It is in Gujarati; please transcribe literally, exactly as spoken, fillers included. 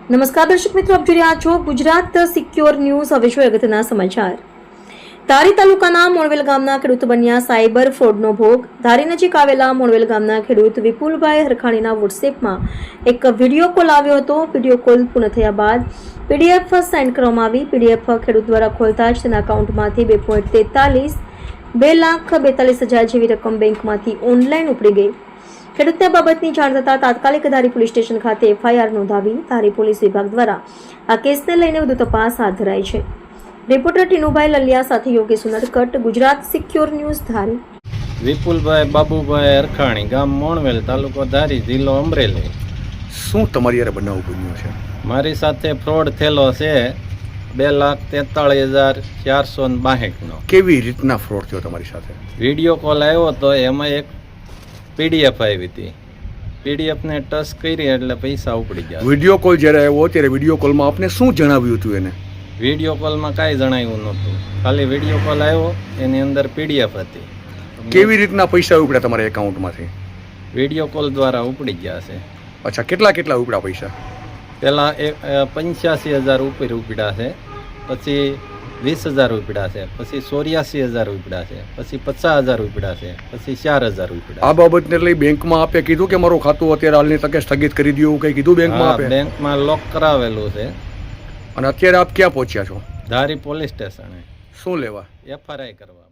નમસ્કાર દર્શક મિત્રો, આપ જોઈ રહ્યા છો ગુજરાત સિક્યોર ન્યૂઝ. હવે જોઈએ અગત્યના સમાચાર. ધારી તાલુકાના મોણવેલ ગામના ખેડૂત બન્યા સાયબર ફ્રોડનો ભોગ. ધારી નજીક આવેલા મોણવેલ ગામના ખેડૂત વિપુલભાઈ હરખાણીના વોટ્સએપમાં એક વિડીયો કોલ આવ્યો હતો. વિડીયો કોલ પૂર્ણ થયા બાદ પીડીએફ સેન્ડ કરવામાં આવી. પીડીએફ ખેડૂત દ્વારા ખોલતા જ તેના એકાઉન્ટમાંથી બે પોઈન્ટ તેતાલીસ બે લાખ બેતાલીસ હજાર જેવી રકમ બેંકમાંથી ઓનલાઈન ઉપડી ગઈ. ખેડૂતને બાબતની જાણ થતાં તાત્કાલિક ધારી પોલીસ સ્ટેશન ખાતે એફઆઈઆર નોંધાવી ધારી પોલીસ વિભાગ દ્વારા આ કેસને લઈને વધુ તપાસ હાથ ધરાઈ છે. રિપોર્ટર ટીનુભાઈ લલિયા સાથે યોગેશ ઉનડકટ, ગુજરાત સિક્યોર ન્યૂઝ, ધારી. વિપુલભાઈ બાબુભાઈ હરખાણી, ગામ મોણવેલ, તાલુકો ધારી, જિલ્લો અમરેલી. શું તમારી યારે બનાવ બન્યો છે? મારી સાથે ફ્રોડ થયેલો છે બે લાખ તેતાળીસ હજાર ચારસો ને બાસઠનો. કેવી રીતના ફ્રોડ થયો તમારી સાથે? વિડીયો કોલ આવ્યો તો એમાં એક પીડીએફ આવી હતી. પીડીએફને ટચ કરી એટલે પૈસા ઉપડી ગયા. વિડીયો કોલ જ્યારે આવ્યો ત્યારે વિડીયો કોલમાં આપને શું જણાવ્યું હતું એને? વિડીયો કોલમાં કાંઈ જણાવ્યું નહોતું, ખાલી વિડીયો કોલ આવ્યો, એની અંદર પીડીએફ હતી. કેવી રીતના પૈસા ઉપડ્યા તમારા એકાઉન્ટમાંથી? વિડીયો કોલ દ્વારા ઉપડી ગયા છે. અચ્છા, કેટલા કેટલા ઉપડ્યા પૈસા? પહેલાં એક પંચ્યાસી હજાર ઉપર ઉપડ્યા છે, પછી વીસ હજાર ઉપડ્યા છે, પછી ચોર્યાસી હજાર ઉપડ્યા છે, પછી પચાસ હજાર ઉપડ્યા છે, પછી ચાર હજાર ઉપડ્યા. આ બાબતને લઈ બેંકમાં આપે કીધું કે મારું ખાતું અત્યારે હાલની તકે સ્થગિત કરી દો, એવું કંઈ કીધું બેંકમાં આપે? બેંકમાં લોક કરાવેલું છે. અને અત્યારે આપ ક્યાં પહોંચ્યા છો? ધારી પોલીસ સ્ટેશને. શું લેવા? એફઆરઆઈ કરવા.